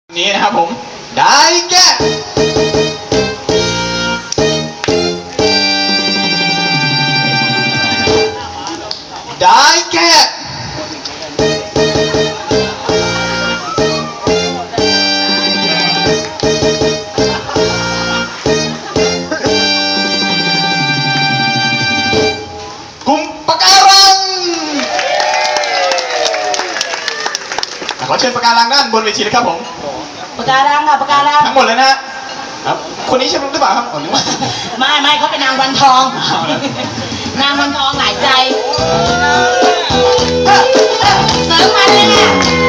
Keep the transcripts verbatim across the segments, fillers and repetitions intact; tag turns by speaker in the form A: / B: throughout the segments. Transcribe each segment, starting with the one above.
A: นี้นะครับผมได้แก่ได้แก่กลุ่มปะการังขอเชิญปะการังด้านบนเวทีเลยครับผม
B: ปะการังค่ะปะการัง
A: ทั้งหมดเลยนะครับคนนี้ใช่หรือเปล่าครับคนนี้
B: ไม่ไม่เขาเป็นนางวันทองนางวันทองหลายใจเสริมมันเลยค่ะ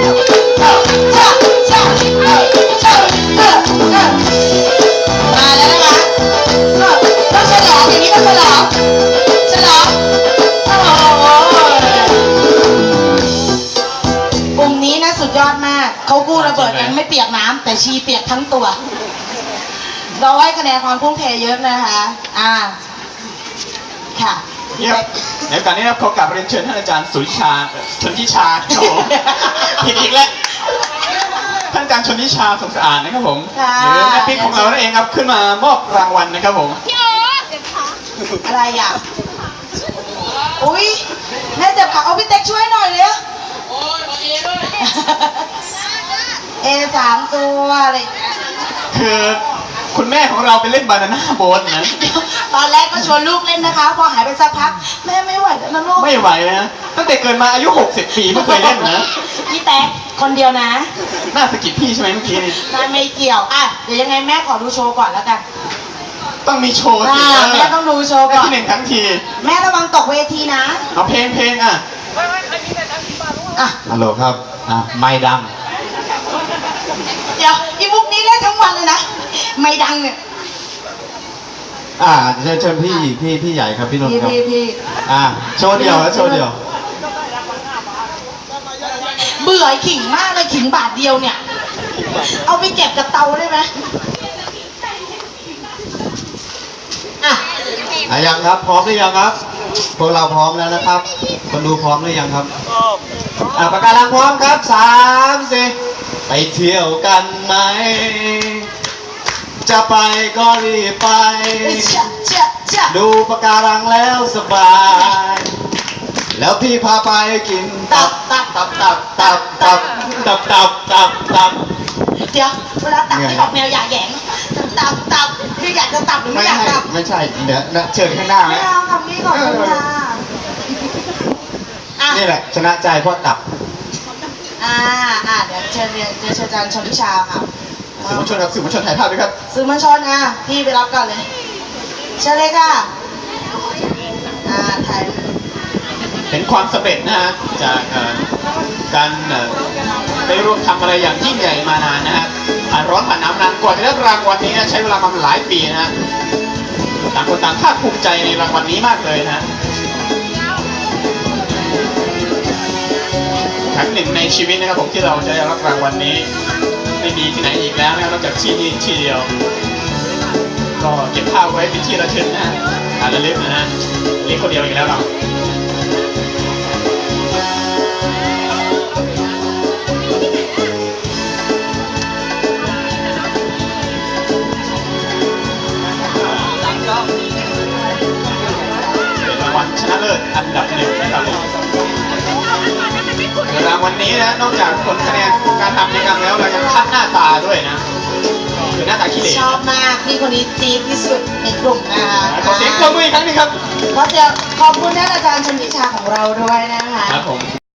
B: มาแล้วนะคะต้องฉลองอย่างนี้ต้องฉลองฉลองโอ้โหกลุ่มนี้นะสุดยอดมากเขากู้ระเบิดกันไม่เปียกน้ำแต่ชีเปียกทั้งตัวเราให้คะแนนความพุ่งเทเยอะนะคะ อ่า ค่ะ
A: เยี่ยมในโอกาสนี้นะครับขอกราบเรียนเชิญท่านอาจารย์สุริชาชนทิชาครับผมผิดอีกแล้วท่านอาจารย์ชนทิชาสงสะอาดนะครับผมหรือแม่ปิ๊กของเรานั่นเองครับขึ้นมามอบรางวัลนะครับผม
B: อะไรอ่ะอุ้ยแม่เจ็บขาเอาพี่เต็กช่วยหน่อยเลยโอ้ยเอด้วยเอสามตัวอะไร
A: คือคุณแม่ของเราไปเล่นบานาน่าโบ๊ทนะ
B: ตอนแรกก็ชวนลูกเล่นนะคะพอหายไปสักพักแม่ไม่ไหวแล้วนะลูก
A: ไม่ไหวนะตั้งแต่เกิดมาอายุหกสิบปีไม่เคยเล่นนะ
B: พี่แต๊กคนเดียวนะ
A: น่าสะกิดพี่ใช่ไหมเมื่อกี้นี่
B: ไม่เกี่ยวอ่ะเดี๋ยวยังไงแม่ขอดูโชว์ก่อนแล้วกัน
A: ต้องมีโชว์สิ
B: แม่ต้องดูโชว์ก่อน
A: ที่หนึ่งทั้งที
B: แม่ระวังตกเวทีนะ
A: เอาเพลงเพลงอ่ะ
B: อ่ะ
A: ฮัลโหลครับอ่ะไม่ดัง
B: เดี๋ยวอีบุ๊กนี้เล่นทั้งวันเลยนะไม่ดังเนี่ย
C: อ่าเชิญเชิญพี่พี่พี่ใหญ่ครับพี่นนท์ครับ
B: พี่พี่
C: อ่าโชว์เดียวแล้วโชว์เดียว
B: เบื่อขิงมากเลยขิงบาทเดียวเนี่ยเอาไปเก็บกับเตาได้ไหมอ่ะ
C: อ่ะยังครับพร้อมหรือยังครับพวกเราพร้อมแล้วนะครับคนดูพร้อมหรือยังครับอ่าปากการังพร้อมครับสามสี่ไปเที่ยวกันไหมจะไปก็รีบไปดูปะการังแล้วสบายแล้วพี่พาไปกินตับตับตับตับตับตับตับตับตับตับ
B: เดี๋ยวเวลาตับที่ออกแนวหยาแหยงตับตับคืออยากจะตับหรือไม่อยากตับ
C: ไม่ใช่เดี๋ยวเชิญข้างหน้าไหม
B: ไม่เอาคำนี้ก่อนค่ะ
C: นี่แหละชนะใจเพราะตับ
B: อ่าอ่าเดี๋ยวเชิญเรียนเชิญอาจารย์ชนทิชาค่ะ
A: สื่อมวลชนครับสื่อมวลชนถ่ายภาพด้วยครับ
B: สื่อมวลชนอ่ะพี่ไปรับก่อนเลยเชิญเลยค่ะอ่าถ่าย
A: เห็นความสำเร็จนะฮะจากการได้ร่วมทำอะไรอย่างยิ่งใหญ่มานานนะฮะผ่านร้อนผ่านน้ำนานกว่าจะได้รางวัลนี้ใช้เวลามาหลายปีนะฮะต่างคนต่างภาคภูมิใจในรางวัลนี้มากเลยนะครั้งหนึ่งในชีวิตนะครับผมที่เราจะได้รับรางวัลนี้ไม่มีที่ไหนอีกแล้วนะครับนอกจากที่นี่ที่เดียวก็เก็บภาพไว้เป็นที่ระลึกนะฮะอ่านระลึกนะฮะเล็กคนเดียวอีกแล้วเราเป็นรางวัลชนะเลิศอันดับหนึ่งนะครับรางวัลนี้นะนอกจากผลคะแนนการทำกิจกรรมแล้วเรายังคัดหน้าตาด้วยนะคือหน้าตาขี้เหร่
B: ชอบมากพี่คนนี้จี๊ดที่สุดในกลุ่มนะคะ
A: ขอเสียงปรบมืออีกครั้งนึงครับ
B: ขอเสียงขอบคุณท่านอาจารย์ชนทิชาของเราด้วยนะคะ
A: ครับผม